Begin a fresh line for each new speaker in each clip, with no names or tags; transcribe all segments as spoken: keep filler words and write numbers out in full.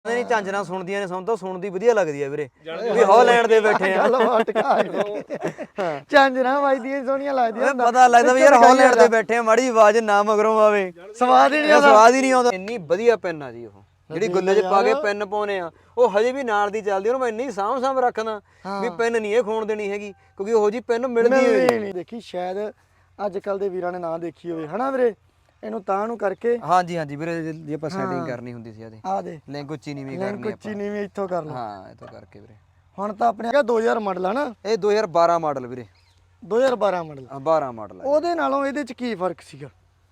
ਨਹੀਂ ਝਾਂਜਰਾਂ ਸੁਣਦੀਆਂ ਨੇ, ਸਾਨੂੰ ਤਾਂ ਸੁਣਦੀ ਵਧੀਆ ਲੱਗਦੀ ਆ ਵੀਰੇ ਵੀ ਹਾਲੈਂਡ ਦੇ ਬੈਠੇ ਆ।
ਝਾਂਜਰਾਂ ਵੱਜਦੀਆਂ ਸੋਹਣੀਆਂ ਲੱਗਦੀਆਂ,
ਪਤਾ ਲੱਗਦਾ ਵੀ ਯਾਰ ਹਾਲੈਂਡ ਦੇ ਬੈਠੇ ਆ, ਮਾੜੀ ਆਵਾਜ਼ ਨਾ ਮਗਰੋਂ ਆਵੇ,
ਸਵਾਦ ਹੀ ਨਹੀਂ ਆਉਂਦਾ,
ਸਵਾਦ ਹੀ ਨਹੀਂ ਆਉਂਦਾ। ਇੰਨੀ ਵਧੀਆ ਪੈਨ ਆ ਜੀ ਉਹ, ਜਿਹੜੀ ਗੁੱਲੇ 'ਚ ਪਾ ਕੇ ਪੈਨ ਪਾਉਨੇ ਆ, ਉਹ ਹਜੇ ਵੀ ਨਾਲ ਦੀ ਚੱਲਦੀ, ਉਹਨੂੰ ਮੈਂ ਇੰਨੀ ਸਾਂਭ ਸਾਂਭ ਰੱਖਦਾ ਵੀ ਪੈਨ ਨਹੀਂ ਇਹ ਖੋਣ ਦੇਣੀ ਹੈਗੀ, ਕਿਉਂਕਿ ਉਹੋ ਜੀ ਪੈਨ ਮਿਲਦੀ
ਨਹੀਂ। ਦੇਖੀ ਸ਼ਾਇਦ ਅੱਜ ਕੱਲ ਦੇ ਵੀਰਾਂ ਨੇ ਨਾ ਦੇਖੀ ਹੋਵੇ ਹਨਾ ਵੀਰੇ, ਇਹਨੂੰ ਤਾਂ ਨੂੰ ਕਰਕੇ।
ਹਾਂਜੀ ਹਾਂਜੀ ਵੀਰੇ, ਜੇ ਆਪਾਂ ਸੈਟਿੰਗ ਕਰਨੀ ਹੁੰਦੀ ਸੀ ਇਹਦੀ,
ਆ ਦੇ
ਲਿੰਕ ਉੱਚੀ ਨੀਵੀਂ ਕਰਨੀ ਆਪਾਂ,
ਉੱਚੀ ਨੀਵੀਂ ਇੱਥੋਂ ਕਰ ਲਓ।
ਹਾਂ ਇੱਥੋਂ ਕਰਕੇ ਵੀਰੇ।
ਹੁਣ ਤਾਂ ਆਪਣੇ ਹੈਗਾ ਦੋ ਹਜ਼ਾਰ ਮਾਡਲ ਆ ਨਾ,
ਇਹ ਦੋ ਹਜ਼ਾਰ ਬਾਰਾਂ ਮਾਡਲ ਵੀਰੇ,
ਦੋ ਹਜ਼ਾਰ ਬਾਰਾਂ ਮਾਡਲ।
ਬਾਰਾਂ ਮਾਡਲ।
ਉਹਦੇ ਨਾਲੋਂ ਇਹਦੇ ਚ ਕੀ ਫਰਕ ਸੀਗਾ?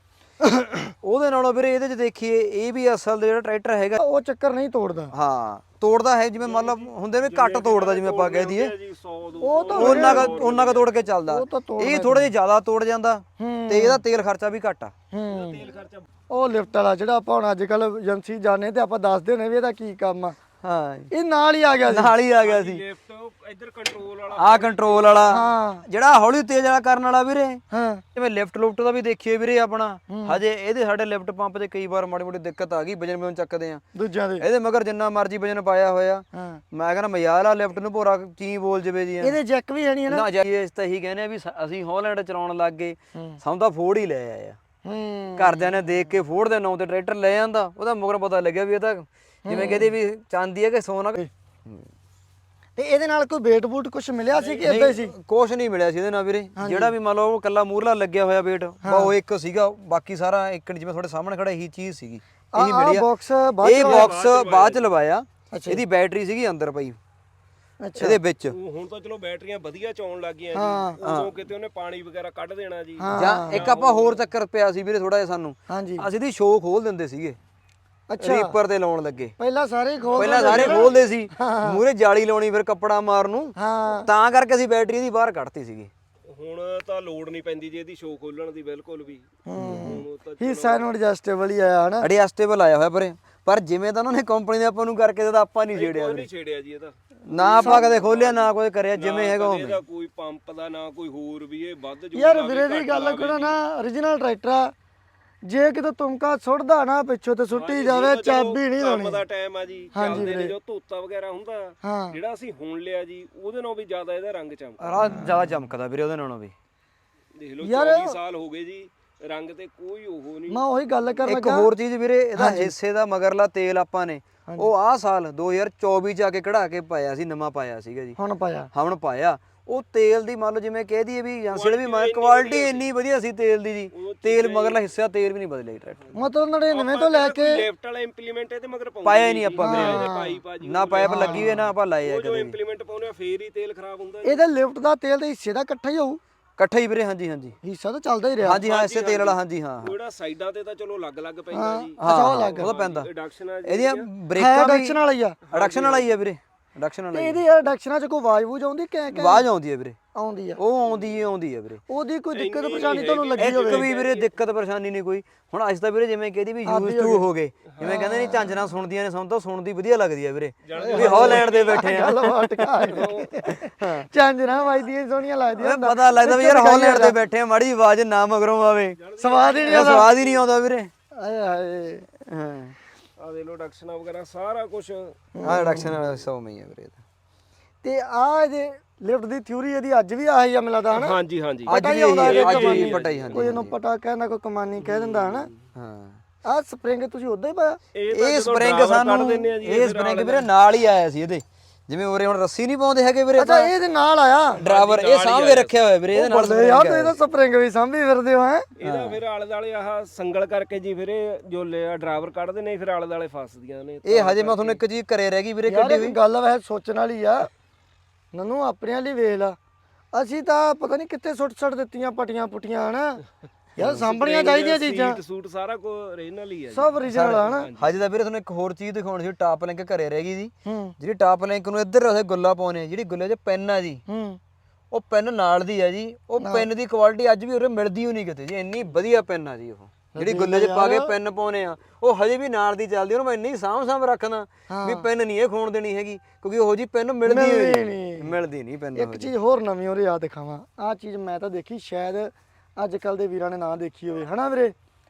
ਉਹਦੇ ਨਾਲੋਂ ਵੀਰੇ ਇਹਦੇ 'ਚ ਦੇਖੀਏ, ਇਹ ਵੀ ਅਸਲ ਦਾ ਜਿਹੜਾ ਟਰੈਕਟਰ ਹੈਗਾ
ਉਹ ਚੱਕਰ ਨਹੀਂ ਤੋੜਦਾ।
ਹਾਂ ਤੋੜਦਾ ਹੈ, ਜਿਵੇਂ ਮੰਨ ਲਓ ਹੁੰਦੇ ਵੀ ਘੱਟ ਤੋੜਦਾ, ਜਿਵੇਂ ਆਪਾਂ ਕਹਿ ਦਈਏ
ਉਹ ਤਾਂ
ਉਹਨਾਂ ਕਾ ਉਹਨਾਂ ਕਾ ਤੋੜ ਕੇ ਚੱਲਦਾ, ਇਹ ਥੋੜਾ ਜਿਹਾ ਜ਼ਿਆਦਾ ਤੋੜ ਜਾਂਦਾ ਤੇ ਇਹਦਾ ਤੇਲ ਖਰਚਾ ਵੀ ਘੱਟ ਆ।
ਤੇਲ ਖਰਚਾ ਉਹ ਲਿਫਟ ਵਾਲਾ ਜਿਹੜਾ ਆਪਾਂ ਹੁਣ ਅੱਜ ਕੱਲ ਏਜੰਸੀ ਜਾਣੇ ਤੇ ਆਪਾਂ ਦੱਸਦੇ ਨੇ ਵੀ ਇਹਦਾ ਕੀ ਕੰਮ ਆ।
ਹਾਂ
ਇਹ ਨਾਲ ਹੀ ਆ ਗਿਆ ਸੀ,
ਨਾਲ ਹੀ ਆ ਗਿਆ ਸੀ।
ਇੱਧਰ ਕੰਟਰੋਲ ਵਾਲਾ,
ਆ ਕੰਟਰੋਲ ਵਾਲਾ,
ਹਾਂ
ਜਿਹੜਾ ਹੌਲੀ ਤੇਜ਼ ਵਾਲਾ ਕਰਨ ਵਾਲਾ ਵੀਰੇ।
ਹਾਂ
ਜਿਵੇਂ ਲਿਫਟ ਲੁਫਟ ਦਾ ਵੀ ਦੇਖੀਏ ਵੀਰੇ ਆਪਣਾ, ਹਜੇ ਇਹਦੇ ਸਾਡੇ ਲਿਫਟ ਪੰਪ ਤੇ ਕਈ ਵਾਰ ਮਾੜੀ ਮੋਟੀ ਦਿੱਕਤ ਆ ਗਈ, ਵਜਨ ਵਜਨ ਚੱਕਦੇ ਆ
ਦੂਜਿਆਂ ਦੇ,
ਇਹਦੇ ਮਗਰ ਜਿੰਨਾ ਮਰਜ਼ੀ ਵਜਨ ਪਾਇਆ ਹੋਇਆ।
ਹਾਂ
ਮੈਂ ਕਹਿੰਦਾ ਮਜ਼ਾਲ ਆ ਲਿਫਟ ਨੂੰ ਭੋਰਾ ਚੀ ਬੋਲ ਜਵੇ ਜੀ।
ਇਹਦੇ ਜੈਕ ਵੀ ਹੈ ਨਹੀਂ ਨਾ,
ਨਾ ਜਾਈਏ ਇਸ ਤਾਂ ਇਹੀ ਕਹਿੰਦੇ ਆ ਵੀ ਅਸੀਂ ਹਾਲੈਂਡ ਚਲਾਉਣ ਲੱਗ ਗਏ, ਸਾਨੂੰ ਤਾਂ ਫੋੜ ਹੀ ਲੈ ਆਇਆ।
ਹੂੰ
ਘਰਦਿਆਂ ਨੇ ਦੇਖ ਕੇ ਫੋੜ ਦੇ ਨਾਂ ਤੇ ਟਰੈਕਟਰ ਲੈ ਜਾਂਦਾ, ਉਹਦਾ ਮਗਰ ਪਤਾ ਲੱਗਿਆ ਵੀ ਇਹ ਤਾਂ ਜਿਵੇਂ ਕਹਿੰਦੇ ਵੀ ਚਾਂਦੀ ਹੈ ਕਿ ਸੋਨਾ।
ਤੇ ਇਹਦੇ ਨਾਲ ਕੋਈ ਵੇਟ ਬੂਟ ਕੁਝ ਮਿਲਿਆ ਸੀ ਕਿ ਇਦਾਂ ਹੀ ਸੀ?
ਕੁਛ ਨਹੀਂ ਮਿਲਿਆ ਸੀ ਇਹਦੇ ਨਾਲ ਵੀਰੇ, ਜਿਹੜਾ ਵੀ ਮੰਨ ਲਓ ਉਹ ਕੱਲਾ ਮੂਰਲਾ ਲੱਗਿਆ ਹੋਇਆ ਵੇਟ ਉਹ ਇੱਕ ਸੀਗਾ, ਬਾਕੀ ਸਾਰਾ ਇੱਕ ਜਿਵੇਂ ਤੁਹਾਡੇ ਸਾਹਮਣੇ ਖੜਾ ਇਹੀ ਚੀਜ਼ ਸੀਗੀ, ਇਹੀ ਮਿਲੀ ਆ।
ਬਾਕਸ
ਇਹ ਬਾਕਸ ਬਾਅਦ ਚ ਲਵਾਇਆ, ਇਹਦੀ ਬੈਟਰੀ ਸੀਗੀ ਅੰਦਰ ਪਈ ਇਹਦੇ ਵਿੱਚ।
ਹੁਣ ਤਾਂ ਚਲੋ ਬੈਟਰੀਆਂ ਵਧੀਆ ਚੌਣ ਲੱਗ ਗਈਆਂ ਜੀ, ਉਦੋਂ ਕਿਤੇ ਉਹਨੇ ਪਾਣੀ ਵਗੈਰਾ ਕੱਢ ਦੇਣਾ ਜੀ।
ਜਾਂ ਇੱਕ ਆਪਾਂ ਹੋਰ ਚੱਕਰ ਪਿਆ ਸੀ ਵੀਰੇ ਥੋੜਾ ਜਿਹਾ ਸਾਨੂੰ,
ਹਾਂਜੀ
ਅਸੀਂ ਦੀ ਸ਼ੋਅ ਖੋਲ ਦਿੰਦੇ ਸੀਗੇ,
ਅੱਛਾ
ਰੀਪਰ ਤੇ ਲਾਉਣ ਲੱਗੇ।
ਪਹਿਲਾਂ ਸਾਰੇ ਹੀ ਖੋਲ
ਪਹਿਲਾਂ ਸਾਰੇ ਖੋਲਦੇ ਸੀ, ਮੂਰੇ ਜਾਲੀ ਲਾਉਣੀ, ਫਿਰ ਕੱਪੜਾ ਮਾਰਨ ਨੂੰ,
ਹਾਂ
ਤਾਂ ਕਰਕੇ ਅਸੀਂ ਬੈਟਰੀ ਦੀ ਬਾਹਰ ਕੱਢਤੀ ਸੀਗੀ।
ਹੁਣ ਤਾਂ ਲੋਡ ਨਹੀਂ ਪੈਂਦੀ ਜੀ ਇਹਦੀ ਸ਼ੋਅ ਖੋਲਣ ਦੀ ਬਿਲਕੁਲ ਵੀ। ਹੁਣ ਤਾਂ
ਹਿੱਸਾ ਨੂੰ ਐਡਜਸਟੇਬਲ ਹੀ ਆਇਆ ਹਨਾ,
ਐਡਜਸਟੇਬਲ ਆਇਆ ਹੋਇਆ ਪਰੇ, ਪਰ ਜਿਵੇਂ ਤਾਂ ਉਹਨਾਂ ਨੇ ਕੰਪਨੀ ਦੇ ਆਪਾਂ ਨੂੰ ਕਰਕੇ ਦਿੱਤਾ, ਆਪਾਂ ਨਹੀਂ ਛੇੜਿਆ
ਨਹੀਂ ਛੇੜਿਆ ਜੀ ਇਹਦਾ,
ਨਾ ਆਪਾਂ ਕਦੇ ਖੋਲਿਆ ਨਾ ਕੋਈ ਕਰਿਆ, ਜਿਵੇਂ ਹੈਗਾ ਉਵੇਂ।
ਇਹਦਾ ਕੋਈ ਪੰਪ ਦਾ ਨਾ ਕੋਈ ਹੋਰ ਵੀ, ਇਹ ਵੱਧ ਜੋ
ਯਾਰ ਵੀਰੇ ਦੀ ਗੱਲ ਕਰੋ ਨਾ, origignal ਟਰੈਕਟਰ ਆ, ਜੇ ਕਿਤੇ ਤੁਮਕਾ ਸੁੱਟਦਾ ਨਾ ਪਿੱਛੋਂ ਤੇ ਸੁੱਟੀ ਜਾਵੇ, ਚਾਬੀ ਨਹੀਂ ਲਾਉਣੀ।
ਕੰਮ ਦਾ ਟਾਈਮ ਆ ਜੀ, ਚੱਲਦੇ ਨੇ ਜੋ ਧੋਤਾ ਵਗੈਰਾ ਹੁੰਦਾ,
ਹਾਂ
ਜਿਹੜਾ ਅਸੀਂ ਹੁਣ ਲਿਆ ਜੀ ਉਹਦੇ ਨਾਲੋਂ ਵੀ ਜ਼ਿਆਦਾ ਇਹਦਾ ਰੰਗ ਚਮਕਦਾ।
ਰਾਹ ਜ਼ਿਆਦਾ ਚਮਕਦਾ ਵੀਰੇ ਉਹਦੇ ਨਾਲੋਂ ਵੀ।
ਦੇਖ ਲਓ ਚੌਵੀ ਸਾਲ ਹੋ ਗਏ ਜੀ, ਰੰਗ ਤੇ ਕੋਈ ਉਹ ਨਹੀਂ।
ਮੈਂ ਉਹੀ ਗੱਲ ਕਰ
ਇੱਕ ਹੋਰ ਚੀਜ਼ ਵੀਰੇ, ਇਹਦਾ ਹਿੱਸੇ ਦਾ ਮਗਰਲਾ ਤੇਲ ਆਪਾਂ ਨੇ ਉਹ ਆਹ ਸਾਲ ਦੋ ਹਜ਼ਾਰ ਚੌਵੀ ਚ ਆ ਕੇ ਕਢਾ ਕੇ ਪਾਇਆ ਸੀ, ਨਵਾਂ ਪਾਇਆ ਸੀਗਾ ਜੀ,
ਹੁਣ ਪਾਇਆ
ਹੁਣ ਪਾਇਆ। ਉਹ ਤੇਲ ਦੀ ਮੰਨ ਲਓ ਜਿਵੇਂ ਕਹਿ ਦਈਏ ਵੀ ਏਜੰਸੀ ਵੀ ਕੁਆਲਿਟੀ ਇੰਨੀ ਵਧੀਆ ਸੀ ਤੇਲ ਦੀ ਜੀ, ਤੇਲ ਮਗਰਲਾ ਹਿੱਸਾ ਦਾ ਤੇਲ ਵੀ ਨਹੀਂ ਬਦਲਿਆ ਟਰੈਕਟਰ।
ਮਤਲਬ ਨੜਿਨਵੇਂ ਤੋਂ ਲੈ ਕੇ
ਲਿਫਟ ਵਾਲਾ ਇੰਪਲੀਮੈਂਟ ਇਹਦੇ ਮਗਰ ਪਾਉਂਦੇ
ਪਾਇਆ ਹੀ ਨਹੀਂ ਆਪਾਂ
ਵੀਰੇ, ਪਾਈ ਪਾ ਜੀ
ਨਾ ਪਾਇਪ ਲੱਗੀ ਹੋਈ ਨਾ ਆਪਾਂ ਲਾਏ ਆ
ਜੋ
ਕਦੇ।
ਇੰਪਲੀਮੈਂਟ ਪਾਉਨੇ ਆ ਫੇਰ ਹੀ ਤੇਲ ਖਰਾਬ ਹੁੰਦਾ।
ਇਹਦੇ ਲਿਫਟ ਦਾ ਤੇਲ ਤੇ ਹਿੱਸੇ ਦਾ ਇਕੱਠਾ ਹੀ ਹੋਊ,
ਇਕੱਠਾ ਹੀ ਵੀਰੇ। ਹਾਂਜੀ ਹਾਂਜੀ
ਹਿੱਸਾ ਤਾਂ ਚੱਲਦਾ ਹੀ ਰਿਹਾ।
ਹਾਂਜੀ ਹਾਂ, ਇਸੇ ਤੇਲ ਵਾਲਾ। ਹਾਂਜੀ ਹਾਂ
ਜਿਹੜਾ ਸਾਈਡਾਂ ਤੇ ਤਾਂ ਚਲੋ ਅਲੱਗ-ਅਲੱਗ ਪੈਂਦਾ ਜੀ,
ਅੱਛਾ ਉਹ ਲੱਗ
ਉਹਦਾ ਪੈਂਦਾ।
ਰਿਡਕਸ਼ਨ ਆ ਜੀ,
ਇਹਦੀਆਂ
ਹੈ
ਬ੍ਰੇਕਾਂ ਵੀ
ਐਡਕਸ਼ਨ ਵਾਲਾ ਹੀ ਆ,
ਰਿਡਕਸ਼ਨ ਵਾਲਾ ਹੀ ਆ ਵੀਰੇ, ਰਿਡਕਸ਼ਨ ਵਾਲਾ
ਤੇ
ਹੀ।
ਇਹਦੀ ਐਡਕਸ਼ਨਾਂ ਚ ਕੋਈ ਆਵਾਜ਼ ਵੂਜ ਆਉਂਦੀ ਕਿ ਕਿ
ਆਵਾਜ਼ ਆਉਂਦੀ ਹੈ ਵੀਰੇ,
ਆਉਂਦੀ ਆ?
ਉਹ ਆਉਂਦੀ ਹੈ ਆਉਂਦੀ ਹੈ ਵੀਰੇ।
ਉਹਦੀ ਕੋਈ ਦਿੱਕਤ ਪਰੇਸ਼ਾਨੀ ਤੁਹਾਨੂੰ ਲੱਗੀ
ਇੱਕ
ਹੋਵੇ?
ਵੀ ਵੀਰੇ ਦਿੱਕਤ ਪਰੇਸ਼ਾਨੀ ਨਹੀਂ ਕੋਈ। ਹੁਣ ਅੱਜ ਤਾਂ ਵੀਰੇ ਜਿਵੇਂ ਕਹਿੰਦੀ ਵੀ ਯੂਜ਼ ਟੂ ਹੋ ਗਏ, ਜਿਵੇਂ ਕਹਿੰਦੇ ਨਹੀਂ ਝਾਂਜਰਾਂ ਸੁਣਦੀਆਂ ਨੇ, ਸਾਨੂੰ ਤਾਂ ਸੁਣਦੀ ਵਧੀਆ ਲੱਗਦੀ ਆ ਵੀਰੇ ਵੀ ਹਾਲੈਂਡ ਦੇ ਬੈਠੇ ਆ।
ਗੱਲ ਫਟਕਾ ਝਾਂਜਰਾਂ ਵੱਜਦੀਆਂ ਸੋਹਣੀਆਂ ਲੱਗਦੀਆਂ,
ਪਤਾ ਲੱਗਦਾ ਵੀ ਯਾਰ ਹਾਲੈਂਡ ਦੇ ਬੈਠੇ ਆ, ਮਾੜੀ ਆਵਾਜ਼ ਨਾ ਮਗਰੋਂ ਆਵੇ,
ਸਵਾਦ ਹੀ ਨਹੀਂ ਆਉਂਦਾ,
ਸਵਾਦ ਹੀ ਨਹੀਂ ਆਉਂਦਾ ਵੀਰੇ।
ਆਏ ਹਾਏ
ਹਾਂ
ਆ ਦੇ ਲੋ ਰਿਡਕਸ਼ਨ ਵਗੈਰਾ ਸਾਰਾ ਕੁਝ।
ਆਹ ਰਿਡਕਸ਼ਨ ਵਾਲਾ ਸੌ ਮਈ ਆ ਵੀਰੇ।
ਤੇ ਆ ਇਹਦੇ ਲਿਫਟ ਦੀ ਥਿਊਰੀ ਇਹਦੀ ਅੱਜ ਵੀ ਆਹੀ ਆ ਮਿਲਦਾ ਹਨਾ?
ਹਾਂਜੀ ਹਾਂਜੀ
ਅੱਜ ਵੀ ਅੱਜ ਵੀ ਪਟਾ ਹੀ। ਹਾਂਜੀ
ਕੋਈ ਇਹਨੂੰ ਪਟਾ ਕਹਿੰਦਾ, ਕੋਈ ਕਮਾਨੀ ਕਹਿ ਦਿੰਦਾ ਹਨਾ?
ਹਾਂ
ਆਹ ਸਪਰਿੰਗ ਤੁਸੀਂ ਉਦਾਂ ਹੀ ਪਾਇਆ?
ਇਹ ਸਪਰਿੰਗ ਸਾਨੂੰ, ਇਹ ਸਪਰਿੰਗ ਵੀਰੇ ਨਾਲ ਹੀ ਆਇਆ ਸੀ ਇਹਦੇ, ਜਿਵੇਂ ਉਰੇ ਹੁਣ ਰੱਸੀ ਨਹੀਂ ਪਾਉਂਦੇ ਹੈਗੇ ਵੀਰੇ।
ਅੱਛਾ ਇਹਦੇ ਨਾਲ ਆਇਆ
ਡਰਾਈਵਰ, ਇਹ ਸਾਂਭ ਕੇ ਰੱਖਿਆ ਹੋਇਆ ਵੀਰੇ ਇਹਦੇ ਨਾਲ।
ਯਾਰ ਤੁਸੀਂ ਇਹਦਾ ਸਪਰਿੰਗ ਵੀ ਸਾਂਭੀ ਫਿਰਦੇ ਹੋ ਹੈ?
ਇਹਦਾ ਫਿਰ ਆਲੇ ਦਾਲੇ ਆਹ ਸੰਗਲ ਕਰਕੇ ਜੀ ਫਿਰ ਇਹ ਜੋ ਲਿਆ ਡਰਾਈਵਰ ਕੱਢਦੇ ਨੇ, ਫਿਰ ਆਲੇ ਦਾਲੇ ਫਸਦੀਆਂ ਨੇ
ਇਹ। ਹਜੇ ਮੈਂ ਤੁਹਾਨੂੰ ਇੱਕ ਚੀਜ਼ ਘਰੇ ਰਹਿ ਗਈ ਵੀਰੇ
ਯਾਰ
ਕੱਢੀ
ਇਹ
ਹੋਈ।
ਗੱਲ ਵੈਸੇ ਸੋਚਣ ਵਾਲੀ ਆ, ਨਨੂੰ ਆਪਣੇ ਵਾਲੀ ਵੇਖ ਲਾ, ਅਸੀਂ ਤਾਂ ਪਤਾ ਨਹੀਂ ਕਿੱਥੇ ਸੁੱਟ ਸੁੱਟ ਦਿੱਤੀਆਂ ਪਟੀਆਂ ਪੁਟੀਆਂ ਹਨਾ। ਯਾਰ ਸਾਂਭਣੀਆਂ ਚਾਹੀਦੀਆਂ ਚੀਜ਼ਾਂ,
ਸੀਟ ਸੂਟ ਸਾਰਾ ਕੁਝ ਰੀਜਨਲ ਹੀ ਆ ਜੀ,
ਸਭ original ਆ ਹਨਾ।
ਹਜੇ ਤਾਂ ਵੀਰੇ ਤੁਹਾਨੂੰ ਇੱਕ ਹੋਰ ਚੀਜ਼ ਦਿਖਾਉਣੀ ਸੀ, ਟਾਪ ਲਿੰਕ ਘਰੇ ਰਹਿ ਗਈ ਜੀ।
ਹੂੰ
ਜਿਹੜੀ ਟਾਪ ਲਿੰਕ ਨੂੰ ਇੱਧਰ ਅਸੀਂ ਗੁੱਲਾ ਪਾਉਨੇ, ਜਿਹੜੀ ਗੁੱਲੇ 'ਚ ਪੈਨ ਆ ਜੀ,
ਹੂੰ
ਉਹ ਪੈਨ ਨਾਲ ਦੀ ਆ ਜੀ। ਉਹ ਪੈਨ ਦੀ ਕੁਆਲਿਟੀ ਅੱਜ ਵੀ ਉਰੇ ਮਿਲਦੀ ਹੀ ਨਹੀਂ ਕਿਤੇ ਜੀ, ਇੰਨੀ ਵਧੀਆ ਪੈਨ ਆ ਜੀ ਉਹ। ਜਿਹੜੀ ਗੁੱਲੇ 'ਚ ਪਾ ਕੇ ਪੈਨ ਪਾਉਨੇ ਆ, ਉਹ ਹਜੇ ਵੀ ਨਾਲ ਦੀ ਚੱਲਦੀ, ਉਹਨੂੰ ਮੈਂ ਇੰਨੀ ਸਾਂਭ ਸਾਂਭ ਰੱਖਦਾ ਵੀ ਪੈਨ ਨਹੀਂ ਇਹ ਖੋਣ ਦੇਣੀ ਹੈਗੀ, ਕਿਉਂਕਿ ਉਹੋ ਜੀ ਪੈਨ ਮਿਲਦੀ ਨਹੀਂ, ਮਿਲਦੀ ਨਹੀਂ ਪੈਨ।
ਇੱਕ ਚੀਜ਼ ਹੋਰ ਨਵੀਂ ਉਹਦੇ ਯਾਦ ਦਿਖਾਵਾਂ, ਆਹ ਚੀਜ਼ ਮੈਂ ਤਾਂ ਦੇਖੀ, ਸ਼ਾਇਦ ਅੱਜ ਕੱਲ ਦੇ ਵੀਰਾਂ ਨੇ ਨਾ ਦੇਖੀ ਹੋਵੇ ਹਨਾ ਵੀਰੇ।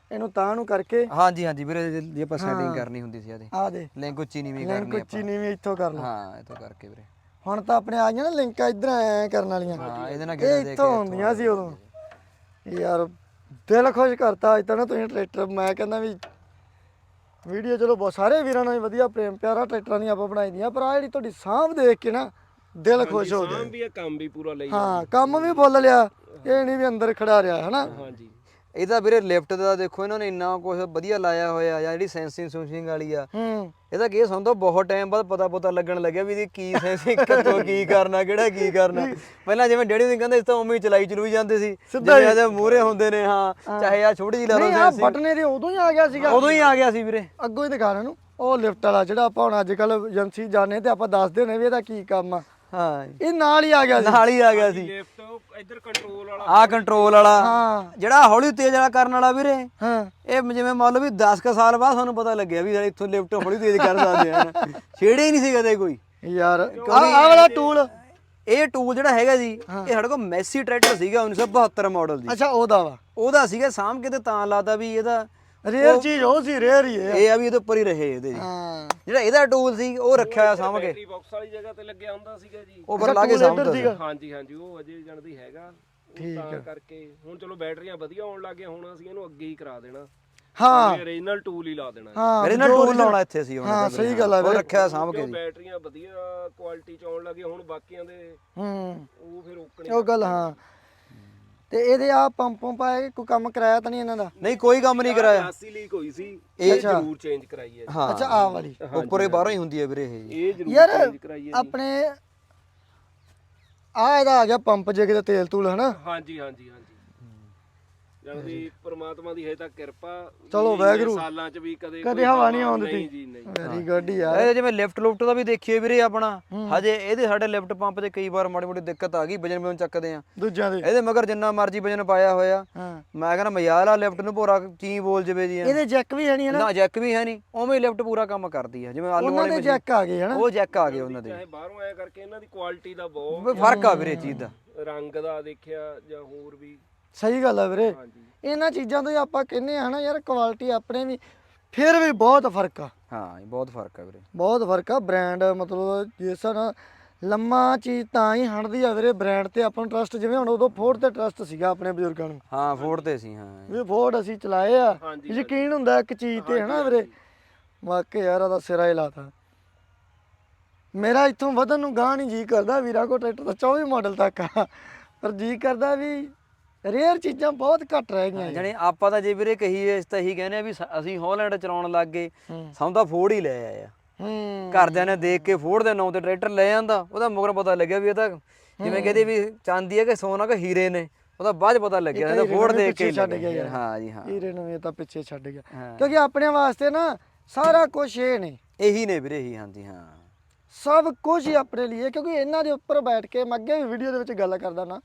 ਇਹਨੂੰ ਤਾਂ ਨੂੰ ਕਰਕੇ
ਹਾਂਜੀ ਹਾਂਜੀ ਵੀਰੇ ਜੇ- ਜੇ ਆਪਾਂ ਸੈਟਿੰਗ ਕਰਨੀ ਹੁੰਦੀ ਸੀ ਇਹਦੀ
ਆ ਦੇ
ਲਿੰਕ ਉੱਚੀ ਨੀਵੀਂ
ਲਿੰਕ
ਕਰਨੀ
ਉੱਚੀ ਨੀਵੀਂ ਇੱਥੋਂ ਕਰ ਲਓ।
ਹਾਂ ਇਹ ਤੋਂ ਕਰਕੇ ਵੀਰੇ
ਹੁਣ ਤਾਂ ਆਪਣੇ ਆ ਗਈਆਂ ਨਾ ਲਿੰਕਾਂ ਇਧਰ ਐ ਕਰਨ ਵਾਲੀਆਂ,
ਹਾਂ ਇਹਦੇ ਨਾਲ
ਇਹ
ਗੇੜੇ ਦੇ
ਇੱਥੋਂ ਹੁੰਦੀਆਂ ਸੀ ਉਦੋਂ। ਯਾਰ ਦਿਲ ਖੁਸ਼ ਕਰਤਾ ਅੱਜ ਤਾਂ ਨਾ ਤੁਸੀਂ ਟਰੈਕਟਰ, ਮੈਂ ਕਹਿੰਦਾ ਵੀ ਵੀਡੀਓ ਚਲੋ ਬਹੁਤ ਸਾਰੇ ਵੀਰਾਂ ਨਾਲ ਵਧੀਆ ਪ੍ਰੇਮ ਪਿਆਰਾ ਟਰੈਕਟਰਾਂ ਦੀਆਂ ਆਪਾਂ ਬਣਾਈ ਦੀਆਂ, ਪਰ ਆ ਜਿਹੜੀ ਤੁਹਾਡੀ ਸਾਂਭ ਦੇਖ ਕੇ ਨਾ ਦਿਲ ਖੁਸ਼ ਹੋ ਗਿਆ।
ਸਾਂਭ ਵੀ ਆ, ਕੰਮ ਵੀ ਪੂਰਾ ਲਈ
ਹਾਂ ਕੰਮ ਵੀ ਬੋਲ ਲਿਆ, ਇਹ ਨਹੀਂ ਵੀ ਅੰਦਰ ਖੜਾ ਰਿਹਾ ਹਨਾ।
ਹਾਂਜੀ
ਇਹਦਾ ਵੀਰੇ ਲਿਫਟ ਦਾ ਦੇਖੋ ਇਹਨਾਂ ਨੇ ਇੰਨਾ ਕੁਝ ਵਧੀਆ ਲਾਇਆ ਹੋਇਆ ਜਾਂ ਜਿਹੜੀ ਸੈਂਸਿੰਗ ਸੂਸਿੰਗ ਵਾਲੀ ਆ
ਹੂੰ
ਇਹਦਾ ਕੀ ਸਾਨੂੰ ਤਾਂ ਬਹੁਤ ਟਾਈਮ ਬਾਅਦ ਪਤਾ ਪਤਾ ਲੱਗਣ ਲੱਗਿਆ ਵੀ ਇਹਦੀ ਕੀ ਸੈਂਸਿੰਗ ਕਿੱਥੋਂ ਕੀ ਕਰਨਾ ਕਿਹੜਾ ਕੀ ਕਰਨਾ। ਪਹਿਲਾਂ ਜਿਵੇਂ ਡੈਡੀ ਨੂੰ ਕਹਿੰਦੇ ਇਸ ਤਾਂ ਉਵੇਂ ਹੀ ਚਲਾਈ ਚਲੂਈ ਜਾਂਦੇ ਸੀ, ਜਿਵੇਂ ਇਹਦੇ ਮੂਹਰੇ ਹੁੰਦੇ ਨੇ ਹਾਂ ਚਾਹੇ ਆ ਛੋਟੀ ਜਿਹੀ ਲਾ ਲਓ
ਨਹੀਂ ਆ ਬਟਨੇ ਦੇ ਉਦੋਂ ਹੀ ਆ ਗਿਆ ਸੀਗਾ,
ਉਦੋਂ ਹੀ ਆ ਗਿਆ ਸੀ ਵੀਰੇ।
ਅੱਗੋਂ ਹੀ ਦਿਖਾ ਨੂੰ ਉਹ ਲਿਫਟ ਵਾਲਾ ਜਿਹੜਾ ਆਪਾਂ ਹੁਣ ਅੱਜ ਕੱਲ ਏਜੰਸੀ ਜਾਣੇ ਤੇ ਆਪਾਂ ਦੱਸਦੇ ਨੇ ਵੀ ਇਹਦਾ ਕੀ ਕੰਮ ਆ,
ਹਾਂ
ਇਹ ਨਾਲ ਹੀ ਆ ਗਿਆ ਸੀ।
ਨਾਲ ਹੀ ਆ ਗਿਆ ਸੀ
ਲਿਫਟ ਇੱਧਰ ਕੰਟਰੋਲ ਵਾਲਾ
ਆ ਕੰਟਰੋਲ ਵਾਲਾ
ਹਾਂ
ਜਿਹੜਾ ਹੌਲੀ ਤੇਜ਼ ਵਾਲਾ ਕਰਨ ਵਾਲਾ ਵੀਰੇ,
ਹਾਂ
ਇਹ ਜਿਵੇਂ ਮੰਨ ਲਓ ਵੀ ਦਸ ਕੁ ਸਾਲ ਬਾਅਦ ਸਾਨੂੰ ਪਤਾ ਲੱਗਿਆ ਵੀ ਇੱਥੋਂ ਲਿਫਟ ਹੌਲੀ ਤੇਜ਼ ਕਰ ਸਕਦੇ ਆ। ਛੇੜੇ ਹੀ ਨਹੀਂ ਸੀ ਕਦੇ ਕੋਈ
ਯਾਰ ਆ ਵਾਲਾ ਟੂਲ।
ਇਹ ਟੂਲ ਜਿਹੜਾ ਹੈਗਾ ਜੀ ਇਹ ਸਾਡੇ ਕੋਲ ਮੈਸੀ ਟਰੈਕਟਰ ਸੀਗਾ ਉੱਨੀ ਸੌ ਬਹੱਤਰ ਮਾਡਲ ਦੀ,
ਅੱਛਾ ਉਹਦਾ ਵਾ,
ਉਹਦਾ ਸੀਗਾ ਸਾਂਭ ਕੇ ਤੇ ਤਾਂ ਲਾਤਾ ਵੀ ਇਹਦਾ
ਰੇਅਰ ਚੀਜ਼ ਉਹ ਸੀ, ਰੇਅਰ ਹੀ ਇਹ।
ਇਹ ਆ ਵੀ ਇਹਦੇ ਉੱਪਰ ਹੀ ਰਹੇ ਇਹਦੇ ਜੀ।
ਹਾਂ
ਜਿਹੜਾ ਇਹਦਾ ਟੂਲ ਸੀ ਉਹ ਰੱਖਿਆ ਹੋਇਆ ਸਾਂਭ ਕੇ,
ਬੈਟਰੀ ਬਾਕਸ ਵਾਲੀ ਜਗ੍ਹਾ ਤੇ ਲੱਗਿਆ ਹੁੰਦਾ ਸੀਗਾ ਜੀ।
ਉਹ ਪਰ ਲਾ ਕੇ ਸਾਂਭਦਾ ਸੀ।
ਹਾਂਜੀ ਹਾਂਜੀ ਉਹ ਅਜੇ ਜਾਣਦੀ ਹੈਗਾ, ਉਹ ਤਾਂ ਕਰਕੇ ਹੁਣ ਚਲੋ ਬੈਟਰੀਆਂ ਵਧੀਆ ਆਉਣ ਲੱਗ ਗਈਆਂ, ਹੁਣ ਅਸੀਂ ਇਹਨੂੰ ਅੱਗੇ ਹੀ ਕਰਾ ਦੇਣਾ।
ਹਾਂ
ਓਰੀਜਨਲ ਟੂਲ ਹੀ ਲਾ ਦੇਣਾ।
ਹਾਂ
ਮੇਰੇ ਨਾਲ ਟੂਲ ਲਾਉਣਾ ਇੱਥੇ ਸੀ ਹੁਣ।
ਹਾਂ ਸਹੀ ਗੱਲ ਆ
ਉਹ ਰੱਖਿਆ ਹੋਇਆ ਸਾਂਭ ਕੇ ਜੀ।
ਬੈਟਰੀਆਂ ਵਧੀਆ ਕੁਆਲਿਟੀ ਚ ਆਉਣ ਲੱਗੇ ਹੁਣ, ਬਾਕੀਆਂ ਦੇ
ਹੂੰ
ਉਹ ਫਿਰ ਓਕਣੇ
ਉਹ ਗੱਲ ਹਾਂ। ਤੇ ਇਹਦੇ ਆ ਪੰਪ ਪੰਪ ਆਏ ਕੋਈ ਕੰਮ ਕਰਾਇਆ ਤਾਂ ਨਹੀਂ ਇਹਨਾਂ ਦਾ?
ਨਹੀਂ ਕੋਈ ਕੰਮ ਨਹੀਂ ਕਰਾਇਆ।
ਗਲਾਸੀ ਲੀਕ ਹੋਈ ਸੀ, ਇਹ ਜ਼ਰੂਰ ਚੇਂਜ ਕਰਾਈ ਹੈ।
ਹਾਂ
ਅੱਛਾ ਆ ਵਾਲੀ
ਉੱਪਰ ਹੀ ਬਾਹਰੋਂ ਹੀ ਹੁੰਦੀ ਹੈ ਵੀਰੇ ਇਹ ਜੀ।
ਇਹ ਜ਼ਰੂਰ
ਯਾਰ
ਚੇਂਜ ਕਰਾਈ ਹੈ।
ਆਪਣੇ ਆ ਇਹਦਾ ਆ ਗਿਆ ਪੰਪ ਜੇ ਕਿਤੇ ਤੇਲ ਤੂਲ ਹਨਾ।
ਹਾਂਜੀ ਹਾਂਜੀ ਹਾਂਜੀ ਜਲਦੀ ਪ੍ਰਮਾਤਮਾ ਦੀ ਹੈ ਤਾਂ ਕਿਰਪਾ।
ਚਲੋ ਵਾਹਿਗੁਰੂ
ਸਾਲਾਂ ਚ ਵੀ ਕਦੇ
ਕਦੇ ਹਵਾ ਨਹੀਂ ਆਉਣ
ਨਹੀਂ
ਦਿੱਤੀ।
ਜੀ ਨਹੀਂ।
ਵੈਰੀ ਗੁੱਡ ਯਾਰ।
ਇਹ ਜਿਵੇਂ ਲਿਫਟ ਲੁਫਟ ਦਾ ਵੀ ਦੇਖੀਏ ਵੀਰੇ ਆਪਣਾ, ਹਜੇ ਇਹਦੇ ਸਾਡੇ ਲਿਫਟ ਪੰਪ ਤੇ ਕਈ ਵਾਰ ਮਾੜੀ ਮੋਟੀ ਦਿੱਕਤ ਆ ਗਈ, ਵਜਨ ਵਜਨ ਚੱਕਦੇ ਆ
ਦੂਜਿਆਂ ਦੇ
ਇਹਦੇ ਮਗਰ ਜਿੰਨਾ ਮਰਜ਼ੀ ਵਜਨ ਪਾਇਆ ਹੋਇਆ।
ਹਾਂ
ਮੈਂ ਕਹਿੰਦਾ ਮਜ਼ਾਲ ਆ ਲਿਫਟ ਨੂੰ ਭੋਰਾ ਚੀ ਬੋਲ ਜਵੇ ਜੀ।
ਇਹਦੇ ਜੈਕ ਵੀ ਹੈ ਨਹੀਂ ਹਨਾ,
ਨਾ ਜੈਕ ਵੀ ਹੈ ਨਹੀਂ, ਉਵੇਂ ਹੀ ਲਿਫਟ ਪੂਰਾ ਕੰਮ ਕਰਦੀ ਆ ਜਿਵੇਂ ਆਲੂ
ਉਹਨਾਂ
ਵਾਲੇ
ਦੇ ਜੈਕ ਆ ਗਏ ਹਨਾ।
ਉਹ ਜੈਕ ਆ ਗਏ ਉਹਨਾਂ ਦੇ।
ਚਾਹੇ ਬਾਹਰੋਂ ਆਇਆ ਕਰਕੇ ਇਹਨਾਂ ਦੀ ਕੁਆਲਿਟੀ ਦਾ ਬਹੁਤ
ਵੀ ਫਰਕ ਆ ਵੀਰੇ ਚੀਜ਼ ਦਾ।
ਰੰਗ ਦਾ ਦੇਖਿਆ ਜਾਂ ਹੋਰ ਵੀ।
ਸਹੀ ਗੱਲ ਆ ਵੀਰੇ,
ਹਾਂਜੀ
ਇਹਨਾਂ ਚੀਜ਼ਾਂ ਤੋਂ ਹੀ ਆਪਾਂ ਕਹਿੰਦੇ ਆ ਹਨਾ ਯਾਰ ਕੁਆਲਿਟੀ ਆਪਣੇ ਵੀ ਫਿਰ ਵੀ ਬਹੁਤ ਫਰਕ ਆ,
ਹਾਂ ਬਹੁਤ ਫਰਕ ਆ ਵੀਰੇ,
ਬਹੁਤ ਫਰਕ ਆ। ਬ੍ਰਾਂਡ ਮਤਲਬ ਜਿਸ ਨਾਲ ਲੰਮਾ ਚੀਜ਼ ਤਾਂ ਹੀ ਹੰਡਦੀ ਆ ਵੀਰੇ ਬ੍ਰਾਂਡ ਤੇ ਆਪਾਂ ਨੂੰ ਟਰਸਟ। ਜਿਵੇਂ ਹੁਣ ਉਦੋਂ ਫੋਰਡ ਤੇ ਟਰਸਟ ਸੀਗਾ ਆਪਣੇ ਬਜ਼ੁਰਗਾਂ ਨੂੰ,
ਹਾਂ ਫੋਰਡ ਤੇ ਸੀ। ਹਾਂ
ਵੀ ਫੋਰਡ ਅਸੀਂ ਚਲਾਏ ਆ,
ਹਾਂਜੀ,
ਯਕੀਨ ਹੁੰਦਾ ਇੱਕ ਚੀਜ਼ ਤੇ ਹਨਾ ਵੀਰੇ। ਵਾਕਈ ਯਾਰ ਉਹਦਾ ਸਿਰਾ ਹੀ ਲਾਤਾ। ਮੇਰਾ ਇੱਥੋਂ ਵਧਣ ਨੂੰ ਗਾਂ ਨਹੀਂ ਜੀ ਕਰਦਾ ਵੀਰਾਂ ਕੋ ਟਰੈਕਟਰ ਦਾ ਚੌਵੀ ਮਾਡਲ ਤੱਕ ਆ, ਪਰ ਜੀ ਕਰਦਾ ਵੀ ਰੇਅਰ ਚੀਜ਼ਾਂ ਬਹੁਤ ਘੱਟ ਰਹਿ ਗਈਆਂ।
ਜਾਣੀ ਆਪਾਂ ਤਾਂ ਜੇ ਵੀਰੇ ਕਹੀਏ ਇਸ ਤਾਂ ਇਹੀ ਕਹਿੰਦੇ ਆ ਵੀ ਸ- ਅਸੀਂ ਹੌਲੈਂਡ ਚਲਾਉਣ ਲੱਗ ਗਏ, ਸਾਨੂੰ ਤਾਂ ਫੋਰਡ ਹੀ ਲੈ ਆਏ ਆ।
ਹੂੰ
ਘਰਦਿਆਂ ਨੇ ਦੇਖ ਕੇ ਫੋਰਡ ਦੇ ਨਾਂ ਤੇ ਟਰੈਕਟਰ ਲੈ ਜਾਂਦਾ, ਉਹਦਾ ਮਗਰ ਪਤਾ ਲੱਗਿਆ ਵੀ ਇਹ ਤਾਂ ਜਿਵੇਂ ਕਹਿੰਦੇ ਵੀ ਚਾਂਦੀ ਹੈ ਕਿ ਸੋਨਾ ਕਿ ਹੀਰੇ ਨੇ, ਉਹਦਾ ਬਾਅਦ ਚ ਪਤਾ ਲੱਗਿਆ ਇਹਦਾ ਫੋਰਡ ਦੇਖ ਕੇ ਹੀ
ਛੱਡ
ਲੱਗਿਆ।
ਗਿਆ ਯਾਰ।
ਹਾਂ ਜੀ ਹਾਂ,
ਹੀਰੇ ਨੂੰ ਇਹ ਤਾਂ ਪਿੱਛੇ ਛੱਡ ਗਿਆ,
ਹਾਂ।
ਕਿਉਂਕਿ ਆਪਣੇ ਵਾਸਤੇ ਨਾ ਸਾਰਾ ਕੁਝ ਇਹ ਨੇ,
ਇਹੀ ਨੇ ਵੀਰੇ ਇਹੀ। ਹਾਂਜੀ ਹਾਂ
ਸਭ ਕੁਝ ਹੀ ਆਪਣੇ ਲਈ, ਕਿਉਂਕਿ ਇਹਨਾਂ ਦੇ ਉੱਪਰ ਬੈਠ ਕੇ ਮੈਂ ਅੱਗੇ ਵੀ ਵੀਡੀਓ ਦੇ ਵਿੱਚ ਗੱਲ ਕਰਦਾ ਨਾ,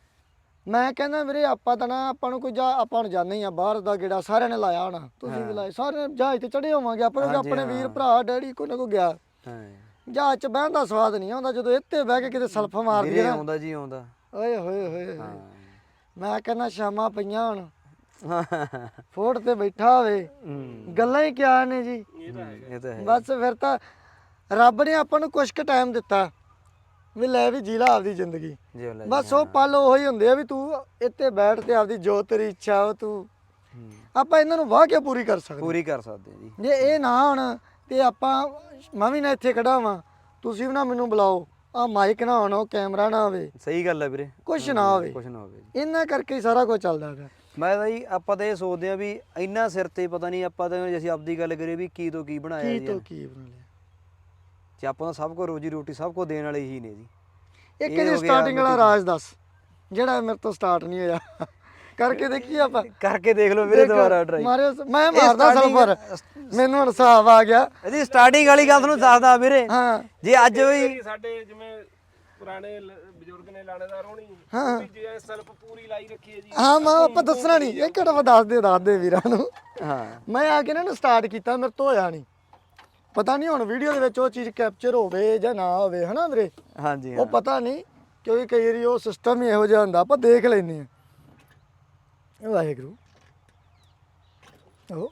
ਮੈਂ ਕਹਿੰਦਾ ਵੀਰੇ ਆਪਾਂ ਤਾਂ ਨਾ ਆਪਾਂ ਨੂੰ ਕੋਈ ਜਾ ਆਪਾਂ ਨੂੰ ਜਾਂਦੇ ਹੀ ਆ ਬਾਹਰ ਦਾ ਗੇੜਾ ਸਾਰਿਆਂ ਨੇ ਲਾਇਆ ਹੋਣਾ, ਤੁਸੀਂ ਵੀ ਲਾਏ, ਸਾਰੇ ਜਹਾਜ਼ ਤੇ ਚੜੇ ਹੋਵਾਂਗੇ ਆਪਾਂ ਨੂੰ, ਆਪਣੇ ਵੀਰ ਭਰਾ ਡੈਡੀ ਕੋਈ ਨਾ ਕੋਈ ਗਿਆ।
ਹਾਂ
ਜਹਾਜ਼ 'ਚ ਬਹਿਣ ਦਾ ਸਵਾਦ ਨਹੀਂ ਆਉਂਦਾ ਜਦੋਂ ਇੱਥੇ ਬਹਿ ਕੇ ਕਿਤੇ ਸਲਫ ਮਾਰਦੀ
ਵੀਰੇ
ਹੈ ਨਾ।
ਆਉਂਦਾ ਜੀ ਆਉਂਦਾ।
ਓਏ ਹੋਏ ਹੋਏ
ਹਾਂ
ਮੈਂ ਕਹਿੰਦਾ ਸ਼ਾਮਾਂ ਪਈਆਂ ਹੁਣ
ਹਾਂ
ਫੋਰਡ ਤੇ ਬੈਠਾ ਹੋਵੇ, ਗੱਲਾਂ ਹੀ ਕਿਆ ਨੇ ਜੀ।
ਇਹ ਤਾਂ ਹੈਗਾ।
ਇਹ ਤਾਂ ਹੈ।
ਬਸ ਫਿਰ ਤਾਂ ਰੱਬ ਨੇ ਆਪਾਂ ਨੂੰ ਕੁਛ ਕੁ ਟਾਈਮ ਦਿੱਤਾ ਵੀ ਲੈ ਵੀ ਜੀ ਲਾ ਆਪਦੀ ਜ਼ਿੰਦਗੀ।
ਜਿਉ ਲੈ
ਬਸ ਉਹ ਪਲ ਉਹੀ ਹੁੰਦੇ ਆ ਵੀ ਤੂੰ ਇੱਥੇ ਬੈਠ ਤੇ ਆਪਦੀ ਜੋ ਤੇਰੀ ਇੱਛਾ ਉਹ ਤੂੰ ਆਪਾਂ ਇਹਨਾਂ ਨੂੰ ਵਾਹ ਕੇ ਪੂਰੀ ਕਰ ਸਕਦੇ।
ਪੂਰੀ ਕਰ ਸਕਦੇ ਜੀ।
ਜੇ ਇਹ ਨਾ ਹੋਣ ਤੇ ਆਪਾਂ ਮੈਂ ਵੀ ਨਾ ਇੱਥੇ ਖੜਾ ਵਾਂ, ਤੁਸੀਂ ਵੀ ਨਾ ਮੈਨੂੰ ਬੁਲਾਓ, ਆ ਮਾਈਕ ਨਾ ਹੋਣਾ, ਕੈਮਰਾ ਨਾ ਹੋਵੇ,
ਸਹੀ ਗੱਲ ਹੈ ਵੀਰੇ,
ਕੁਛ ਨਾ ਹੋਵੇ,
ਕੁਛ ਨਾ ਹੋਵੇ ਜੀ।
ਇਹਨਾਂ ਕਰਕੇ ਹੀ ਸਾਰਾ ਕੁਝ ਚੱਲਦਾ ਪਿਆ।
ਮੈਂ ਤਾਂ ਜੀ ਆਪਾਂ ਤਾਂ ਇਹ ਸੋਚਦੇ ਆ ਵੀ ਇੰਨਾ ਸਿਰ ਤੇ ਪਤਾ ਨਹੀਂ ਆਪਾਂ ਤਾਂ ਜੇ ਅਸੀਂ ਆਪਦੀ ਗੱਲ ਕਰੀਏ ਵੀ ਕੀ ਤੋਂ ਕੀ ਬਣਾਇਆ
ਕੀ
ਜੀ।
ਤੋਂ ਕੀ ਬਣਾ ਲਿਆ।
ਜੇ ਆਪਾਂ ਤਾਂ ਸਭ ਕੋ ਰੋਜੀ ਰੋਟੀ ਸਭ ਕੋ ਦੇਣ ਵਾਲੇ ਹੀ ਨੇ ਜੀ।
ਇੱਕ ਇਹਦੀ ਸਟਾਰਟਿੰਗ ਵਾਲਾ ਰਾਜ ਦੱਸ ਜਿਹੜਾ ਮੇਰੇ ਤੋਂ ਸਟਾਰਟ ਨਹੀਂ ਹੋਇਆ, ਕਰਕੇ ਦੇਖੀ ਆਪਾਂ।
ਕਰਕੇ ਦੇਖ ਲਓ ਵੀਰੇ ਦੁਬਾਰਾ ਟਰਾਈ।
ਮਾਰਿਓ ਮੈਂ ਮਾਰਦਾ ਸਲਫਰ, ਮੈਨੂੰ ਹੁਣ ਹਿਸਾਬ ਆ ਗਿਆ।
ਇਹਦੀ ਸਟਾਰਟਿੰਗ ਵਾਲੀ ਗੱਲ ਤੁਹਾਨੂੰ ਦੱਸਦਾ ਵੀਰੇ,
ਹਾਂ
ਜੇ ਅੱਜ ਵੀ
ਸਾਡੇ ਜਿਵੇਂ ਪੁਰਾਣੇ ਲ- ਬਜ਼ੁਰਗ ਨੇ ਲਾਣੇਦਾਰ ਹੋਣੀ, ਉਹ ਵੀ ਜੇ ਸਲਫ ਪੂਰੀ ਲਾਈ ਰੱਖੀ ਹੈ ਜੀ।
ਹਾਂ ਮੈਂ ਆਪਾਂ ਦੱਸਣਾ ਨਹੀਂ, ਇੱਕ ਘਟਵਾ ਦੱਸ ਦੇ ਦੱਸ ਦੇ ਵੀਰਾਂ ਨੂੰ।
ਹਾਂ
ਮੈਂ ਆ ਕੇ ਇਹਨਾਂ ਨੂੰ ਸਟਾਰਟ ਕੀਤਾ, ਮੇਰੇ ਤੋਂ ਹੋਇਆ ਨਹੀਂ, ਪਤਾ ਨਹੀਂ ਹੁਣ ਵੀਡੀਓ ਦੇ ਵਿੱਚ ਉਹ ਚੀਜ਼ ਕੈਪਚਰ ਹੋਵੇ ਜਾਂ ਨਾ ਹੋਵੇ ਹਨਾ ਵੀਰੇ,
ਹਾਂਜੀ
ਉਹ ਪਤਾ ਨਹੀਂ, ਕਿਉਂਕਿ ਕਈ ਵਾਰੀ ਉਹ ਸਿਸਟਮ ਹੀ ਇਹੋ ਜਿਹਾ ਹੁੰਦਾ, ਆਪਾਂ ਦੇਖ ਲੈਂਦੇ ਹਾਂ। ਵਾਹਿਗੁਰੂ ਉਹ